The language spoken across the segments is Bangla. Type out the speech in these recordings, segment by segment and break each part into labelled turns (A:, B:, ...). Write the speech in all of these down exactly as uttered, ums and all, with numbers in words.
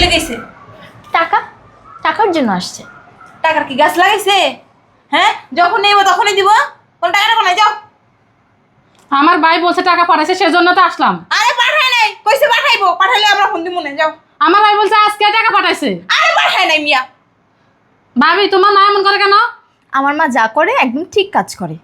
A: লেগেছে?
B: টাকা টাকার জন্য আসছে।
A: টাকার কি গাছ লাগাইছে? হ্যাঁ, যখন নেব তখনই দিব। কোন টাকা নেবো না, যাও।
C: আমার ভাই বলছে টাকা পাঠাইছে, সেজন্য তো আসলাম।
A: আরে পাঠায় নাই, কইছে পাঠাইবো, পাঠাইলে আমরা ফোন দিব না, যাও।
C: আমার ভাই বলছে আজকে টাকা পাঠাইছে।
A: আরে পাঠায় নাই মিয়া।
C: ভাবি তোমার মা এমন করে কেন?
B: আমার মা যা করে একদম ঠিক কাজ করে।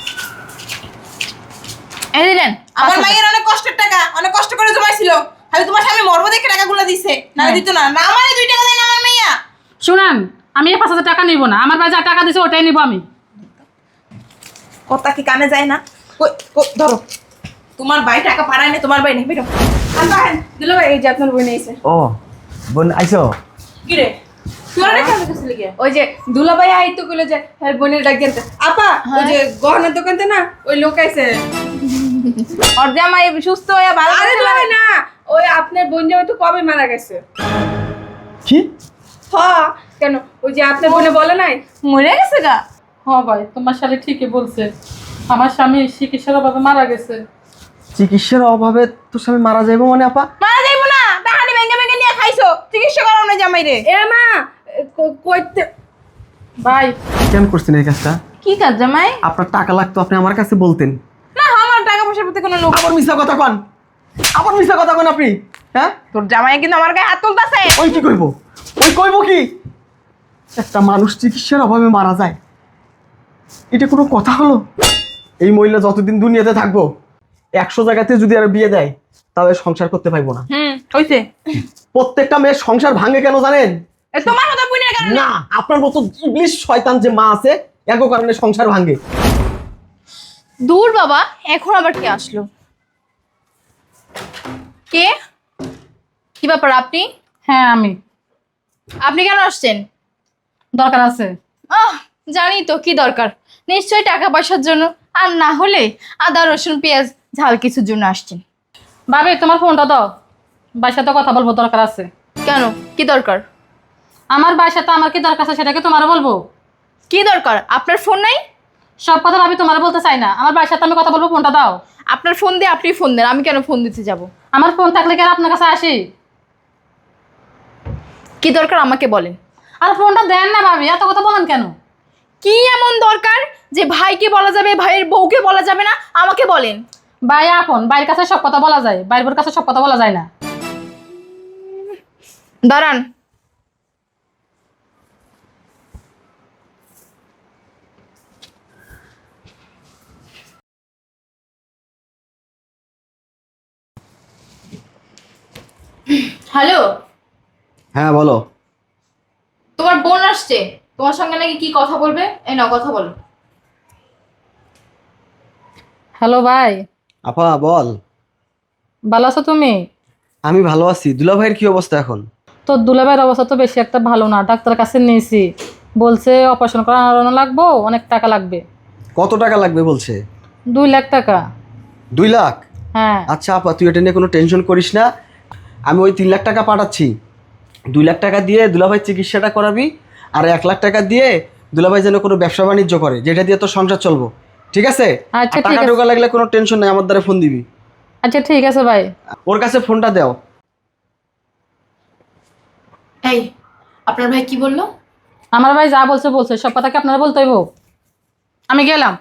B: এই দিলেন
A: আমার মায়ের অনেক কষ্টের টাকা, অনেক কষ্ট করে জমাইছিল। আমি তোমার স্বামী মরবো দেখে টাকাগুলো দিছে, না দিত না। না আমারে দুই টাকা দেয় না আমার মাইয়া।
C: শুনেন, আমি এই পাঁচ হাজার টাকা নিব না। আমার ভাই যা টাকা দিছে ওটাই নিব আমি।
A: কথা কি কানে যায় না? কই কই ধরো, তোমার ভাই টাকা পাঠায় না, তোমার ভাই নেই, বেরো। আনবা হেন দিল ভাই, এই যে আপনার বই নিয়েছে।
D: ও বোন আইছো?
A: কি রে তোরা রেখে আমি কাছে লিগে?
E: ওই যে দুলাভাই আইতো কইলো যে হ্যাঁ বোনের ডাক দিতে আপা ওই যে গহনার দোকানতে না ওই লোক আইছে।
A: ওর জামাই সুস্থ হয়ে ভালো
E: আরে
A: করে
E: দুলাভাই না, ওই আপনার বোন জামাই তো কবে মারা গেছে।
D: কি?
E: হ্যাঁ কেন, ওই যে আপনার বোনে বলে নাই
A: মরে গেছে গা?
C: হ্যাঁ ভাই, তোমার শালি ঠিকই বলছে। আমার স্বামী চিকিৎসার অভাবে মারা গেছে।
D: চিকিৎসার অভাবে তোর স্বামী মারা যাইবো মানে আপা?
A: মারা যাইবো না, টাকানি ভেঙে ভেঙে নিয়ে খাইছো, চিকিৎসা করো না জামাই রে।
E: এ মা ক- কইতে
C: ভাই
D: কেন করছেন এই কাজটা?
A: কি কাজ জামাই?
D: আপনার টাকা লাগতো, আপনি আমার কাছে বলতেন।
A: না আমার টাকা পয়সার প্রতি কোনো লোক।
D: আবার মিথ্যা কথা কন, আবার মিথ্যা কথা কন আপনি। হ্যাঁ
A: তোর জামাই কিন্তু আমার গায়ে হাত তুলতাছে।
D: ওই কি কইব, ওই কইব কি? একটা মানুষ চিকিৎসার অভাবে মারা যায়, এটা কোনো কথা হলো? এই মহিলা যতদিন দুনিয়াতে থাকবো, একশো জায়গাতে যদি আর বিয়ে দেয় তাহলে সংসার করতে পারবো না।
A: হুম হইছে।
D: প্রত্যেকটা মেয়ের সংসার ভাঙে কেন জানেন?
A: এ তোমার মতো বুনের কারণে।
D: না, আপনার মতো ইবলিশ শয়তান যে মা আছে, এগো কারণে সংসার ভাঙে।
B: দূর বাবা, এখন আবার কে আসলো? কে? কি ব্যাপার আপনি?
C: হ্যাঁ আমি।
B: আপনি কেন আসছেন?
C: দরকার আছে।
B: আহ জানি তো কি দরকার, নিশ্চয়ই টাকা পয়সার জন্য, আর না হলে আদা রসুন পেঁয়াজ ঝাল কিছুর জন্য আসছেন।
C: ভাবি তোমার ফোনটা দাও, ভাইয়ের সাথে কথা বলবো, দরকার আছে।
B: কেন, কি দরকার?
C: আমার ভাইয়ের সাথে আমার কি দরকার আছে সেটা কি তোমারও বলবো?
B: কি দরকার? আপনার ফোন নাই?
C: সব কথা ভাবি তোমার বলতে চাই না। আমার ভাইয়ের সাথে আমি কথা বলবো, ফোনটা দাও।
B: আপনার ফোন দিয়ে আপনি ফোন দেন, আমি কেন ফোন দিতে যাব?
C: আমার ফোন থাকলে কি আর আপনার কাছে আসি?
B: কি দরকার আমাকে বলেন।
C: আর ফোনটা দেন না ভাবি, এত কথা বলেন কেন?
B: কি এমন দরকার যে ভাইকে বলা যাবে, ভাইয়ের বউকে বলা যাবে না? আমাকে বলেন।
C: ভাই আপন, ভাইয়ের কাছে সব কথা বলা যায়, ভাইয়ের বোর কাছে সব কথা বলা যায় না।
B: দাঁড়ান। হ্যালো,
D: হ্যাঁ বলো।
B: তোমার বোন আসছে, তোমার সঙ্গে নাকি কি কথা বলবে। এই নাও কথা বলো।
C: হ্যালো ভাই,
D: আপা বল।
C: ভালো আছো তুমি?
D: আমি ভালো আছি। দুলা ভাইয়ের কি অবস্থা এখন?
C: তোর দুলাভাইয়ের অবস্থা তো বেশি একটা ভালো না, ডাক্তারের কাছে নিয়েছি, বলছে অপারেশন করানো লাগবো, অনেক টাকা লাগবে।
D: কত টাকা লাগবে বলছে?
C: দুই লাখ টাকা।
D: দুই লাখ?
C: হ্যাঁ।
D: আচ্ছা আপা, তুই এটা নিয়ে কোনো টেনশন করিস না, আমি ওই তিন লাখ টাকা পাঠাচ্ছি। দুই লাখ টাকা দিয়ে দুলাভাই চিকিৎসাটা করাবি, আর এক লাখ টাকা দিয়ে দুলাভাই যেন কোনো ব্যবসা বাণিজ্য করে, যেটা দিয়ে তোর সংসার চলবো, ঠিক আছে?
C: আচ্ছা,
D: আর
C: ঠিক
D: টাকা
C: আছে।
D: ঢোকা লাগলে কোনো টেনশন নেই, আমার দ্বারা ফোন দিবি।
C: আচ্ছা ঠিক আছে ভাই।
D: ওর কাছে ফোনটা দাও।
B: এই আপনার ভাই কি বললো?
C: আমার ভাই যা বলছে বলছে, সব কথা কি আপনারা বলতে হইব? আমি গেলাম।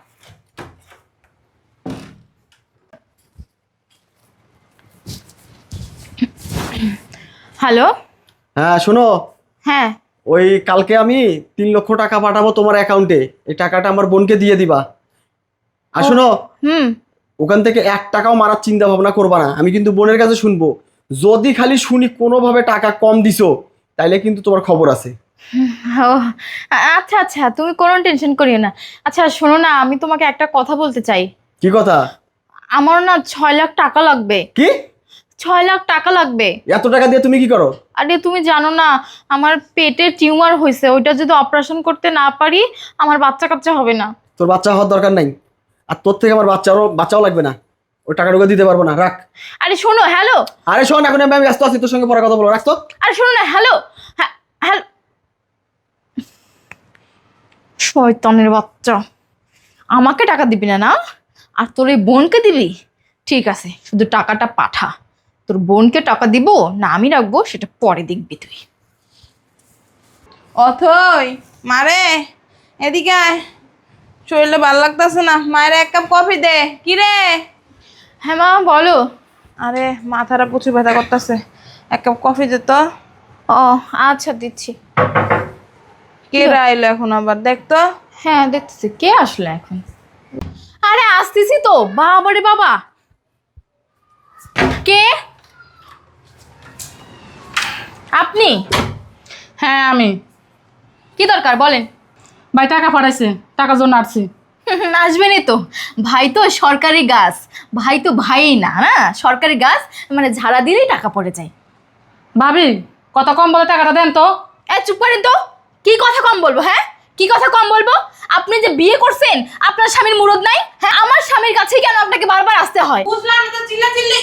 B: হ্যালো।
D: হ্যাঁ শোনো,
B: হ্যাঁ
D: ওই কালকে আমি তিন লক্ষ টাকা পাঠাবো তোমার অ্যাকাউন্টে, এই টাকাটা আমার বোনকে দিয়ে দিবা। আর শোনো,
B: হুম
D: ওখান থেকে এক টাকাও মারার চিন্তা ভাবনা করবা না, আমি কিন্তু বোনের কাছে শুনবো। যদি খালি শুনি কোনোভাবে টাকা কম দিছো, তাইলে কিন্তু তোমার খবর আছে।
B: ও আচ্ছা আচ্ছা, তুমি কোনো টেনশন করিও না। আচ্ছা শোনো না, আমি তোমাকে একটা কথা বলতে চাই।
D: কি কথা?
B: আমার না ছয় লাখ টাকা লাগবে।
D: কি?
B: ছয় লাখ টাকা লাগবে।
D: এত টাকা দিয়ে তুমি কি করো?
B: আরে তুমি জানো না, আমার পেটে টিউমার হয়েছে, ওইটা যদি অপারেশন করতে না পারি আমার বাচ্চা কাচ্চা হবে না।
D: তোর বাচ্চা হওয়ার দরকার নাই, আর তোর থেকে আমার বাচ্চারও বাচ্চাও লাগবে না, ওই টাকাটুকু দিতে পারবো না, রাখ।
B: আরে শোনো, হ্যালো।
D: আরে শোন, এখন আমি ব্যস্ত আছি, তোর সঙ্গে পরে কথা বলবো, রাখতো।
B: আরে শোনো না, হ্যালো। হ্যাঁ হ্যালো। শয়তানের বাচ্চা, আমাকে টাকা দিবি না না, আর তোর এই বোনকে দিবি? ঠিক আছে, শুধু টাকাটা পাঠা, তোর বোনকে টাকা দিব না আমি রাখবো সেটা পরে দেখবি তুই।
A: অথই মারে এদিকে আয়, শরীরে ভালো লাগতেছে না, মায়ের এক কাপ কফি দে। কি রে?
B: হ্যাঁ মা বলো।
A: আরে মাথাটা প্রচুর ব্যথা করতেছে, এক কাপ কফি দে তো।
B: ও আচ্ছা দিচ্ছি।
A: কে আইলো এখন আবার, দেখ তো।
B: হ্যাঁ দেখতেছি কে আসলো এখন। আরে আসতেছি তো। বাবা রে বাবা, কে আপনি?
C: হ্যাঁ আমি।
B: কি দরকার বলেন।
C: ভাই টাকা পাঠাইছে, টাকার জন্য আসছি।
B: আসবেনই তো, ভাই তো সরকারি গাছ, ভাই তো ভাইই না না সরকারি গাছ, মানে ঝাড়া দিলেই টাকা পড়ে যায়।
C: ভাবি কত কম বলে টাকাটা দেন তো।
B: এ চুপ করেন তো। কি কথা কম বলবো? হ্যাঁ কি কথা কম বলবো? আপনি যে বিয়ে করছেন আপনার স্বামীর মুরদ নাই? হ্যাঁ আমার স্বামীর কাছেই কেন আপনাকে বারবার আসতে হয়?
A: বুঝলাম না তো, চিল্লা চিল্লি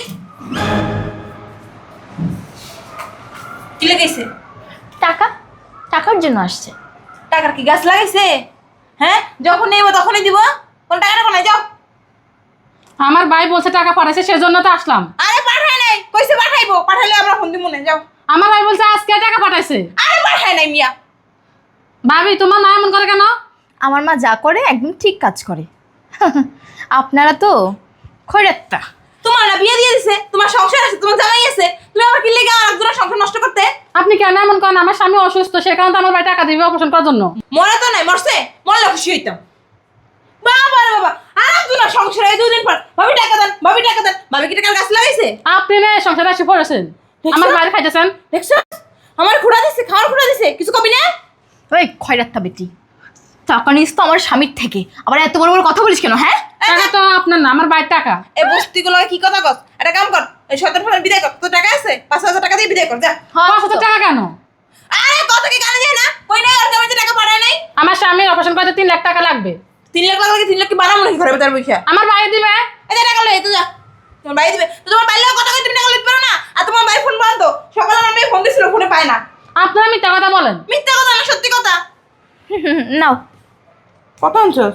A: কি লেগেছে?
B: টাকা, টাকার জন্য আসছে।
A: টাকার কি গাছ লাগাইছে? হ্যাঁ যখন নেবো তখনই দিব, কোন টাকাটা কোনায় যাও।
C: আমার ভাই বলছে টাকা পাঠাইছে, সেজন্য তো আসলাম।
A: আরে পাঠায় নাই, কইছে পাঠাইবো, পাঠাইলে আমরা ফোন দিব মনে যাও।
C: আমার ভাই বলছে আজকে টাকা পাঠাইছে।
A: আরে পাঠায় নাই মিয়া।
C: ভাবি তোমার মা এমন করে কেন?
B: আমার মা যা করে একদম ঠিক কাজ করে। আপনারা তো খৈরাত্তা।
A: তোমার না বিয়ে দিয়ে দিছে, তোমার সংসার আছে, তোমার জামাই আছে, তুমি আবার কি লেগে আর একজনের সংসার নষ্ট করতে?
C: আপনি কেন এমন করেন? আমার স্বামী অসুস্থ, সে কারণে তো আমার ভাই টাকা দিবে অপারেশন করার জন্য।
A: মরে তো নাই, মরছে, মরলে খুশি হইতাম। বাবা রে বাবা, আর একজনের সংসারে এই দুদিন পর ভাবি টাকা দেন, ভাবি টাকা দেন, ভাবি কি টাকার গাছ লাগাইছে?
C: আপনি না সংসারে এসে পড়েছেন, আমার বাইরে খাইতেছেন।
A: দেখছো আমার খুঁড়া দিছে, খাওয়ার খুঁড়া দিছে, কিছু কবি না?
B: ওই খয়রাত্তা বেটি, টাকা নিস তো আমার স্বামীর থেকে, আবার এত বড় বড় কথা বলিস কেন? হ্যাঁ
C: টাকা তো আপনার না, আমার বাইরের টাকা।
A: এই বস্তিগুলো কি কথা কস? একটা কাম কর, এই সতেরো ফোনের বিদায় কর। তোর টাকা আছে, পাঁচ হাজার টাকা দিয়ে বিদায় কর যা।
C: পাঁচ হাজার টাকা কেন?
A: আরে কথা কি কানে যায় না? কই নাই আর জমিতে টাকা পাঠায় নাই?
C: আমার স্বামীর অপারেশন করতে তিন লাখ টাকা লাগবে।
A: তিন লাখ লাগে, তিন লাখ কি বানাবো নাকি ঘরে ভেতর বসে?
C: আমার ভাই দিবে।
A: এই যে টাকা লই তুই যা, তোমার ভাই দিবে। তো তোমার বাইরে কথা কই তুমি টাকা লইতে পারো না? আর তোমার ভাই ফোন বন্ধ, সকালে আমার মেয়ে ফোন দিছিল, ফোনে পায় না।
C: আপনারা মিথ্যা কথা বলেন।
A: মিথ্যা কথা না, সত্যি কথা।
B: নাও।
A: কত আনছস?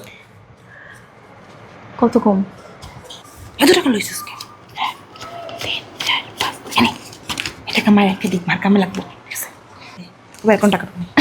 B: কত কম?
A: এত টাকা লইছিস কে? তিন চার পাঁচ এনে এটা কামাই একটা দিক মার কামে লাগবো, ঠিক আছে? এবার কোন টাকা তুমি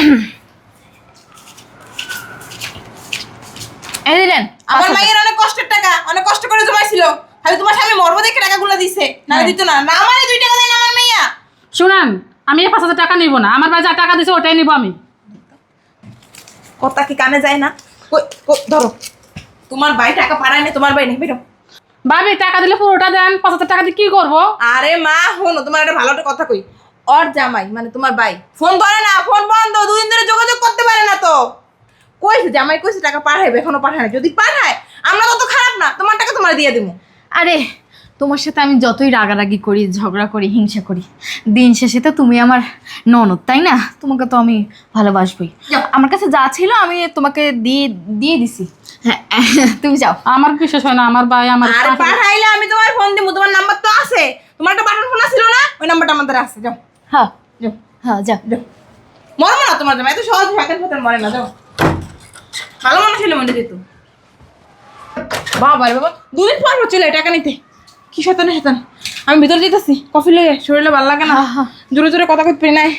B: এই দিলেন।
A: আমার মায়ের অনেক কষ্টের টাকা, অনেক কষ্ট করে জমাইছিল, খালি তোমার স্বামী মরবো দেখে টাকাগুলো দিছে, না দিত না। না আমারে দুই টাকা দেয় না আমার মাইয়া।
C: শুনেন, আমি এই পাঁচ হাজার টাকা নিব না, আমার ভাই যা টাকা দিছে ওটাই নিব আমি।
A: কথা কি কানে যায় না? কই কই ধরো, তোমার ভাই টাকা পাঠায় না, তোমার ভাই নেই, বেরো।
C: ভাবি টাকা দিলে পুরোটা দেন, পাঁচ হাজার টাকা দিয়ে কি করবো?
A: আরে মা শোনো, তোমার একটা ভালো একটা কথা কই। ওর জামাই মানে তোমার ভাই ফোন ধরে না, ফোন বন্ধ, দুদিন ধরে যোগাযোগ করতে পারে না। তো কইছে জামাই কইছে টাকা পাঠাইবে, এখনো পাঠায় না। যদি পাঠায় আমরা তো খারাপ না, তোমার টাকা তোমার দিয়ে দেবো।
B: আরে তোমার সাথে আমি যতই রাগারাগি করি, ঝগড়া করি, হিংসা করি, দিন শেষে তো তুমি আমার ননদ, তাই না? তোমাকে তো আমি ভালোবাসবই। আমার কাছে যা ছিল আমি তোমাকে দিয়ে দিয়ে দিছি। হ্যাঁ তুমি যাও।
C: আমার বিশেষ হয় না, আমার ভাই আমার
A: আরে পাঠাইলে আমি তোমার ফোন দিব, তোমার নাম্বার তো আছে, তোমার একটা বাটন ফোন ছিল না, ওই নাম্বারটা আমাদের আছে। যাও
B: হ্যাঁ
A: যাও
B: হ্যাঁ যাও।
A: যাও, মরবো না তোমার জামাই, এত সহজ ফাঁকের ফাঁকের মরে না। যাও, ভালো মানুষ হলে মনে যেত। বাবা রে বাবা, দুদিন পর চলে টাকা নিতে, কি শতানে শতান। আমি ভিতর যেতেছি, কফি লইয়ে, শরীরে ভালো লাগে না, জোরে জোরে কথা কইতে পারি নাই।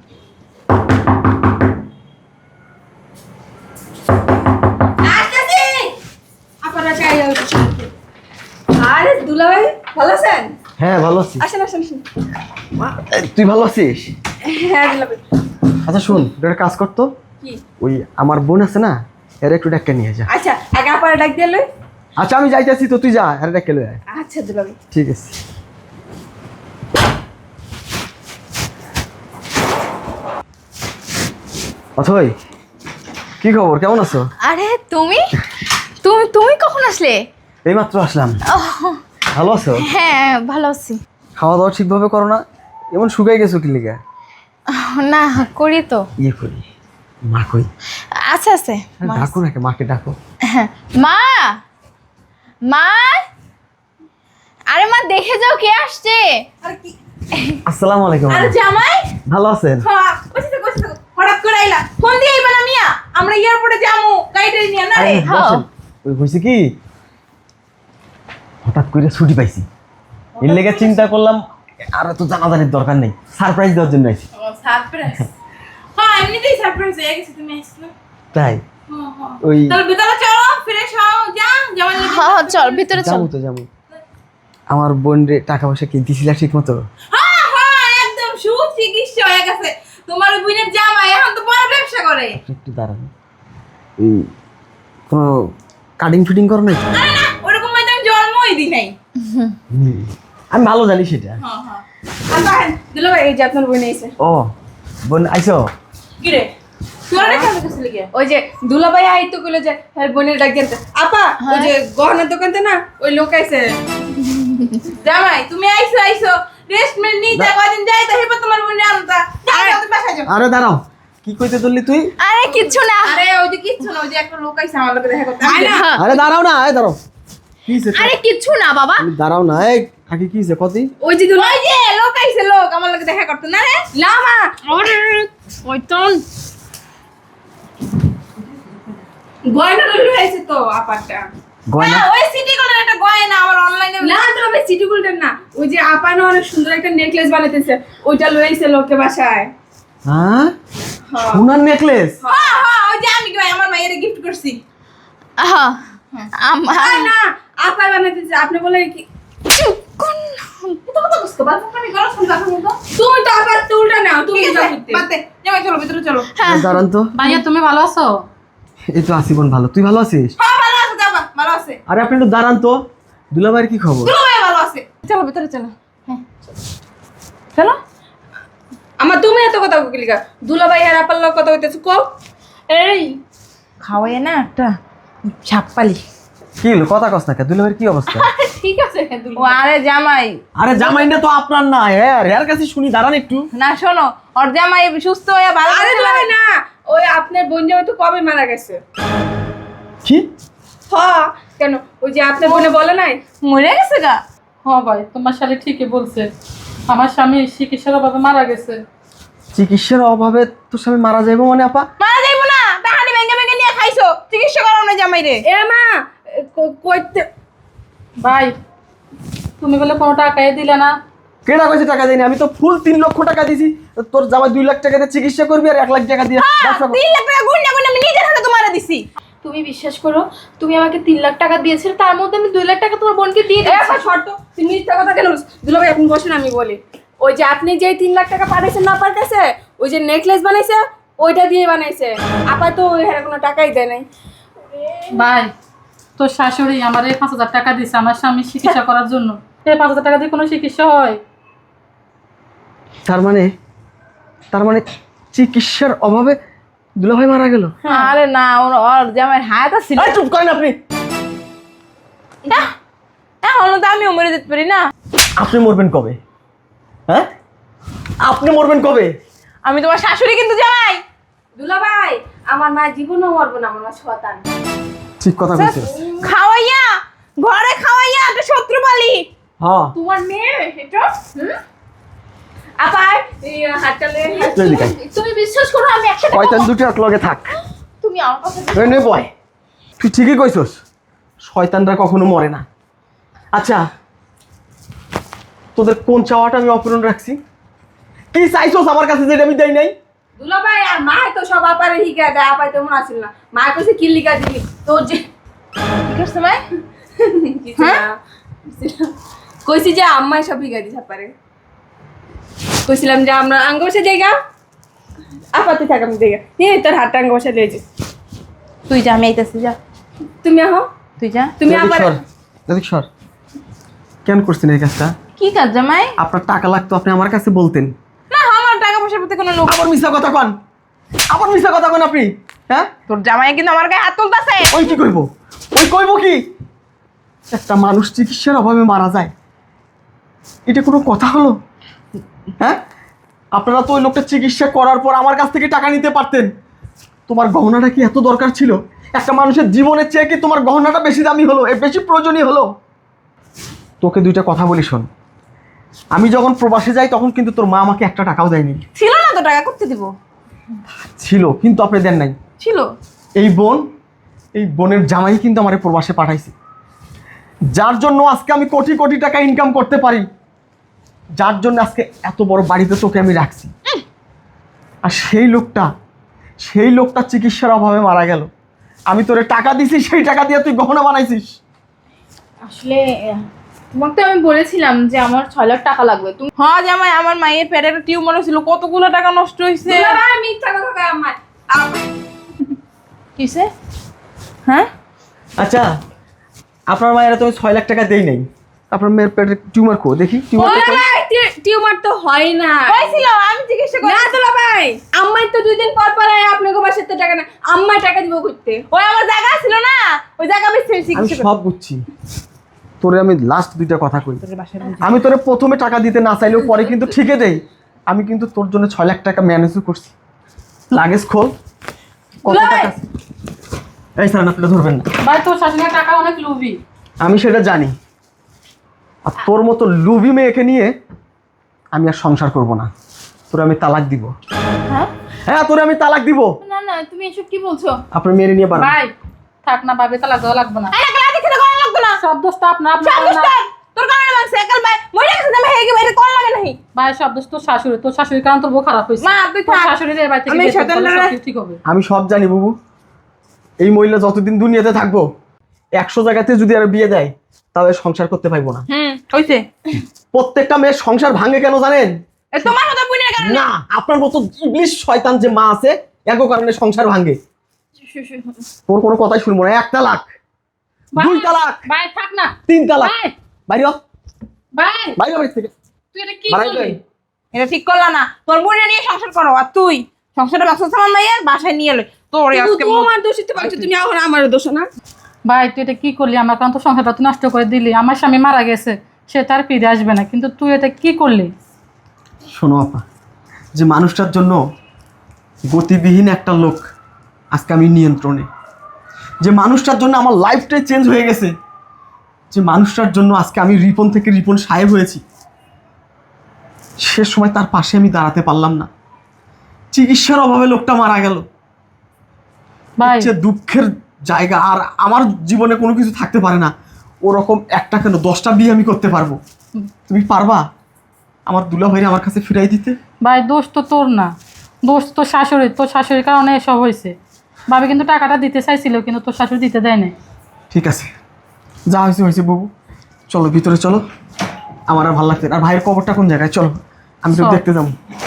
E: আরে দুলা ভাই ভালো আছেন?
D: হ্যাঁ ভালো আছি।
E: আসেন আসেন আসেন।
D: এই, তুই ভালো আছিস?
E: হ্যাঁ দুলা ভাই।
D: আচ্ছা শোন, তুই একটা কাজ করতো,
E: কি?
D: ওই আমার বোন আছে না, এর একটু ডাক্তার নিয়ে যা।
E: আচ্ছা আগে আপারে ডাক দিয়ে লই।
D: আচ্ছা আমি যাইতেছি, তো তুই যা, এর ডাক্তার লয়ে আয়।
E: আচ্ছা দুলা ভাই।
D: ঠিক আছে। অথই কি খবর, কেমন আছো?
B: আরে তুমি তুমি তুমি কখন আসলে?
D: এইমাত্র আসলাম। ভালো আছো?
B: হ্যাঁ ভালো আছি।
D: খাওয়া দাওয়া ঠিকভাবে করো না, এমন শুকাই গেছো কি লিগা?
B: না করি তো।
D: ইয়ে করি, মা কই?
B: আচ্ছা আছে।
D: ডাকো নাকি, মাকে ডাকো।
B: মা, মা, আরে মা দেখে যাও কে আসছে।
A: আর কি?
D: আসসালামু আলাইকুম।
A: আরে জামাই,
D: ভালো আছেন?
A: হ্যাঁ বসে থাকো, বসে থাকো। হঠাৎ করে আইলা, ফোন দিয়ে আইবা না মিয়া, আমরা এয়ারপোর্টে যামু, গাড়িটা নিয়ে না রে।
D: আরে বসেন। ওই হইছে কি, হঠাৎ করে ছুটি পাইছি, এর লেগে চিন্তা করলাম আর তো জানাজানির দরকার নেই, সারপ্রাইজ দেওয়ার জন্য আইছি।
A: ও সারপ্রাইজ। হ্যাঁ এমনিতেই সারপ্রাইজ হয়ে গেছে, তুমি আসলে।
D: তাই
A: হ্যাঁ হ্যাঁ।
D: ওই
A: তাহলে ভিতরে চলো, ফ্রেশ হও, যা জামাই লাগে।
B: হ্যাঁ হ্যাঁ, চল ভিতরে চল।
D: যাবো তো যাবো। আমার বোন রে টাকা পয়সা কি দিছিলা ঠিক মতো?
A: হ্যাঁ হ্যাঁ একদম সুচিকিৎসা হয়ে গেছে। তোমার ওই বোনের জামাই এখন তো বড় ব্যবসা করে।
D: একটু দাঁড়ান, এই কোনো কাটিং ফিটিং করো নাই তো?
A: আরে না, ওরকম হয়তো আমি জন্মই দিই নাই।
D: হুম, আমি ভালো জানি সেটা।
A: হ্যাঁ হ্যাঁ।
E: আপা দুলা ভাই এই যে আপনার বোন এসে।
D: ও বোন আইছো?
A: কি রে তোরা রেখে আমি কাছে লেগে
E: ওই যে দুলা ভাই আইতো কইলো যে হ্যাঁ বোনের ডাক দেন। আপা ওই যে গহনার দোকানতে না ওই লোক আইছে।
A: জামাই তুমি আইছো আইছো রেস্ট মেল নিতে কয়দিন যাই তো হেবা তোমার বোনের আনতা। যাও তুমি বাসায় যাও।
D: আরে দাঁড়াও, কি কইতে ধরলি তুই?
B: আরে কিচ্ছু না।
A: আরে ওই যে কিচ্ছু না, ওই যে একটা লোক আইছে আমার লগে দেখা করতে। আয় না।
D: আরে দাঁড়াও না, এই দাঁড়াও। কি হইছে?
B: আরে কিচ্ছু না বাবা।
D: তুমি দাঁড়াও না, এই কাকি কি হইছে কদি?
E: ওই যে দুলা
A: ওই যে লোক আইছে, লোক আমার লগে দেখা করতে না রে।
E: না মা
B: আরে ওইটন
E: গয়না লইলো আইছে তো আপাটা।
D: গয়না?
A: হ্যাঁ, ওই সিটি গোল্ডের একটা গয়না আমার অনলাইনে।
E: না দুলা ভাই সিটি গোল্ডের না, ওই যে আপা না অনেক সুন্দর একটা নেকলেস বানাইতেছে, ওইটা লই আইছে লোকে বাসায়।
D: হ্যাঁ সোনার নেকলেস?
A: হ্যাঁ হ্যাঁ ওই যে আমি কি আমার মায়ের গিফট করছি।
B: হ্যাঁ আমার
E: আর না আপা বানাইতেছে, আপনি বলে কি
B: চুপ কর।
A: এটা কত বুঝতে পারছ না, আমি গরম শুনতে এখন তো।
E: তুমি তো আবার চুলটা নাও, তুমি
A: ঠিক
E: যা
A: আছে
E: করতে।
A: বাদ দে, জামাই চলো ভিতরে চলো।
B: হ্যাঁ
D: দাঁড়ান তো।
C: ভাইয়া তুমি ভালো আছো?
D: এই তো আছি বোন, ভালো। তুই ভালো আছিস?
A: হ্যাঁ ভালো আছে, যাবা ভালো আছে।
D: আরে আপনি একটু দাঁড়ান তো, দুলাভাইয়ের কি খবর?
A: দুলো ভাই ভালো আছে, চলো ভিতরে চলো। হ্যাঁ চলো।
E: আমার তুমি এত কথা কইলিকা, দুলা ভাই আর আপার লোক কথা কইতেছ কো।
B: এই
A: খাওয়াই না একটা ছাপ্পালি।
D: কি হলো, কথা কস না কে? দুলাভাইয়ের কি অবস্থা?
E: ঠিক আছে দুলা
A: ও আরে জামাই
D: আরে জামাইটা তো আপনার না, হ্যাঁ এর কাছে শুনি, দাঁড়ান একটু।
A: না শোনো, ওর জামাই সুস্থ হয়ে ভালো
E: আরে
A: আছে।
E: দুলা ভাই না, ওই আপনার বোন জামাই তো কবে মারা গেছে।
D: কি?
E: হ কেন, ওই যে আপনার বোনে বলে নাই
A: মরে গেছে গা।
C: হ্যাঁ ভাই তোমার শালি ঠিকই বলছে, আমার স্বামী চিকিৎসার অভাবে মারা গেছে।
D: চিকিৎসার অভাবে তোর স্বামী মারা যাইবো মানে আপা?
A: মারা যাইবো না, তাহানি ভেঙে ভেঙে নিয়ে খাইছো, চিকিৎসা করাও না জামাই রে।
E: এ মা ক- কইতে
C: ভাই তুমি বলে কোনো টাকাই দিলে না।
D: কেডা কইছে টাকা দেয়নি? আমি তো ফুল তিন লক্ষ টাকা দিছি। তোর জামাই দুই লাখ টাকা দিয়ে চিকিৎসা করবি আর এক লাখ টাকা দিয়ে ব্যবসা করবি।
A: তিন লাখ টাকা গুন্ডা গুন্ডা আমি নিজের হাতে তোমারে দিছি।
B: তুমি বিশ্বাস করো, তুমি আমাকে তিন লাখ টাকা দিয়েছিলে, তার মধ্যে আমি দুই লাখ টাকা তোমার বোনকে দিয়ে
E: এ
B: দিয়েছি।
E: আপা শর্ত, তুমি মিথ্যা কথা কেন বলছো? দুলা ভাই আপনি বসেন আমি বলি। ওই যে আপনি যে তিন লাখ টাকা পাঠাইছেন না আপনার কাছে, ওই যে নেকলেস বানাইছে ওইটা দিয়ে বানাইছে। আপা তো ওই হারে কোনো টাকাই দেয় নাই।
C: ভাই তোর শাশুড়ি আমার এই পাঁচ হাজার টাকা দিছে আমার স্বামী চিকিৎসা করার জন্য। এই পাঁচ হাজার টাকা দিয়ে কোনো চিকিৎসা হয়?
D: তার মানে তার মানে চিকিৎসার অভাবে দুলাভাই মারা গেল?
A: আরে না, ওর ওর জামাইয়ের হায়াত ছিল।
D: এই চুপ করেন আপনি।
A: না এখনো তো আমিও মরে যেতে পারি না।
D: আপনি মরবেন কবে? হ্যাঁ আপনি মরবেন কবে?
A: আমি তোমার শাশুড়ি কিন্তু জামাই।
E: দুলা ভাই আমার মা জীবনও মরবো না, আমার মা শতান।
D: ঠিক কথা কইছিস।
A: খাওয়াইয়া ঘরে খাওয়াইয়া একটা শত্রু পালি।
D: হ্যাঁ
E: তোমার মেয়ে এটা হুম? আপা এই হাতটা লয়ে
D: তুই এদিকে আয়।
B: তুমি বিশ্বাস করো, আমি একসাথে
D: শয়তান দুটো এক লগে থাক।
B: তুমি আমার কথা
D: এই নে বয়, তুই ঠিকই কইছস, শয়তানরা কখনো মরে না। আচ্ছা তোদের কোন চাওয়াটা আমি অপূরণ রাখছি? কি চাইছস আমার কাছে যেটা আমি দেই নাই?
E: দুলা ভাই আর মা তো সব আপারে হিকা দেয়, আপাই তো মনে আছিল না। মা কইছে কি লিখা দিবি তোর যে
A: কি করছে ভাই?
E: কিছু না। কইছি যে আম্মাই সব হিকা দিছে আপারে। কইছিলাম যে আমরা আঙ্গ বসে জায়গা আপাতে থাক, আমি জায়গা এই তোর হাতটা আঙ্গ বসে লিয়েছি।
A: তুই যা, আমি আইতাছি, যা
E: তুমি আহো,
A: তুই যা।
E: তুমি
D: এদিক
E: আবার
D: সর, এদিক সর। কেন করছেন এই কাজটা?
A: কি কাজ জামাই?
D: আপনার টাকা লাগতো, আপনি আমার কাছে বলতেন।
A: না আমার টাকা পয়সার প্রতি কোনো লোক।
D: আবার মিথ্যা কথা কন, আবার মিথ্যা কথা কন আপনি। হ্যাঁ
A: তোর জামাই কিন্তু আমার গায়ে হাত তুলতাছে।
D: ওই কি কইব? ওই কইব কি? একটা মানুষ চিকিৎসার অভাবে মারা যায়, এটা কোনো কথা হলো? হ্যাঁ আপনারা তো ওই লোকটা চিকিৎসা করার পর আমার কাছ থেকে টাকা নিতে পারতেন। তোমার গহনাটা কি এত দরকার ছিল? একটা মানুষের জীবনের চেয়ে কি তোমার গহনাটা বেশি দামি হলো, এ বেশি প্রয়োজনীয় হলো? তোকে দুইটা কথা বলি শোন, আমি যখন প্রবাসে যাই তখন কিন্তু তোর মা আমাকে একটা টাকাও দেয়নি।
A: ছিল না তো টাকা, করতে দিব।
D: ছিল কিন্তু আপনি দেন নাই।
A: ছিল।
D: এই বোন, এই বোনের জামাই কিন্তু আমার প্রবাসে পাঠাইছে, যার জন্য আজকে আমি কোটি কোটি টাকা ইনকাম করতে পারি। যার জন্য আজকে এত বড় বাড়িতে তোকে আমি রাখছি, আর সেই লোকটা সেই লোকটা চিকিৎসার অভাবে মারা গেল। আমি তোরে টাকা দিছি, সেই টাকা দিয়ে তুই গহনা বানাইছিস।
B: আসলে আহ, তোমাকে তো আমি বলেছিলাম যে আমার ছয় লাখ টাকা লাগবে। তুমি
A: হ্যাঁ জামাই, আমার মায়ের পেটে একটা টিউমার ছিল, কতগুলো টাকা নষ্ট হয়েছে।
E: দুলাভাই মিথ্যা কথা কয় আম্মা।
A: কিসে? হ্যাঁ
D: আচ্ছা, আপনার মায়েরা তুমি ছয় লাখ টাকা দেই নাই, আপনার মেয়ের পেটে টিউমার কো দেখি। টিউমার
E: দুলাভাই টিউমার তো হয় না।
A: হয়েছিল, আমি চিকিৎসা করি।
E: না দুলাভাই, আম্মাই তো দুই দিন পর পর আয় আপনাকে বাসার তো টাকা না, আম্মাই টাকা দিব করতে।
A: ওই আমার জায়গা ছিল না, ওই জায়গা বেশি
D: আমি
A: চিকিৎসা করি।
D: সব বুঝছি, তোরে আমি লাস্ট দুইটা কথা কই।
A: তোর বাসায়
D: আমি তোরে প্রথমে টাকা দিতে না চাইলেও পরে কিন্তু ঠিকই দেই। আমি কিন্তু তোর জন্য ছয় লাখ টাকা ম্যানেজ করছি। লাগেজ খোল, কত টাকা আছে? এই স্যার, আপনি ধরবেন না।
C: ভাই তোর শাশুড়ির টাকা অনেক লুবি।
D: আমি সেটা জানি, আর তোর মতো লুবি মেয়েকে নিয়ে আমি আর সংসার করব না। তোরে আমি তালাক দিব।
B: হ্যাঁ
D: হ্যাঁ, তোরে আমি তালাক দিব।
B: না না, তুমি এসব কি বলছো?
D: আপনার মেয়ের নিয়ে পারেন।
C: ভাই থাক না, ভাবে তালাক দেওয়া লাগবে না।
A: এই টাকা দিতে কোন লাগবে না।
C: সব দোষ তো আপনার, আপনার
A: সব
C: করে না।
A: দোষ তোর কারণে মানছে একাল ভাই মরে গেছে, আমি হেগে বাইরে কোন লাগে নাই।
C: ভাই সব দোষ তোর শাশুড়ি, তোর শাশুড়ির কারণ তোর বউ খারাপ হয়েছে।
A: মা, তুই
C: তোর
A: থাক।
C: শাশুড়ির এই বাড়ি থেকে
A: আমি
C: বের করে
A: শয়তান
C: দিলে
A: না।
C: সব ঠিক হবে।
D: আমি সব জানি বাবু, এই মহিলা যতদিন দুনিয়াতে থাকবো একশো জায়গাতে যদি আর বিয়ে দেয় তাহলে সংসার করতে পারবো না।
A: হুম হইছে।
D: প্রত্যেকটা মেয়ের সংসার ভাঙে কেন জানেন?
A: এ তোমার মতো বুনের কারণে
D: না, আপনার মতো ইবলিশ শয়তান যে মা আছে এর কারণে সংসার ভাঙে। তোর কোনো কথাই শুনবো না। এক তালাক,
C: ভাই,
D: দুই তালাক,
C: ভাই থাক না।
D: তিন তালাক।
C: ভাই
D: বাইরে হ,
C: ভাই
D: বাইরে হ বাড়ি থেকে।
C: তুই এটা কি
D: বাড়াই
C: করলি?
D: যাই।
A: এটা ঠিক করলা না। তোর বোনের নিয়ে সংসার করো, আর তুই সংসারটা ব্যবসা সামান মাইয়ের বাসায় নিয়ে এলো তোর আজকে
E: তোমার দোষিতে পারছো তুমি, এখন আমারও দোষ না।
C: ভাই তুই এটা কি করলি? আমার কারণ তো সংসারটা তুই নষ্ট করে দিলি। আমার স্বামী মারা গেছে, সে তার ফিরে আসবে না, কিন্তু তুই এটা কি করলি?
D: শোনো আপা, যে মানুষটার জন্য গতিবিহীন একটা লোক আজকে আমি নিয়ন্ত্রণে, যে মানুষটার জন্য আমার লাইফটাই চেঞ্জ হয়ে গেছে, যে মানুষটার জন্য আজকে আমি রিপন থেকে রিপন সাহেব হয়েছি, সে সময় তার পাশে আমি দাঁড়াতে পারলাম না। চিকিৎসার অভাবে লোকটা মারা গেল।
C: ভাই
D: যে দুঃখের জায়গা আর আমার জীবনে কোনো কিছু থাকতে পারে না, ওরকম একটা কেন দশটা বিয়ে আমি করতে পারবো। তুমি পারবা আমার দুলা ভাইরে আমার কাছে ফিরাই দিতে?
C: ভাই দোষ তো তোর না, দোষ তো শাশুড়ি। তোর শাশুড়ির কারণে এসব হয়েছে। ভাবি কিন্তু টাকাটা দিতে চাইছিল, কিন্তু তোর শাশুড়ি দিতে দেয় নাই।
D: ঠিক আছে, যা হয়েছে হয়েছে বাবু, চলো ভিতরে চলো। আমার আর ভালো লাগছে না। আর ভাইয়ের কবরটা কোন জায়গায়? চলো আমি তো
C: চল।
D: দেখতে যাবো।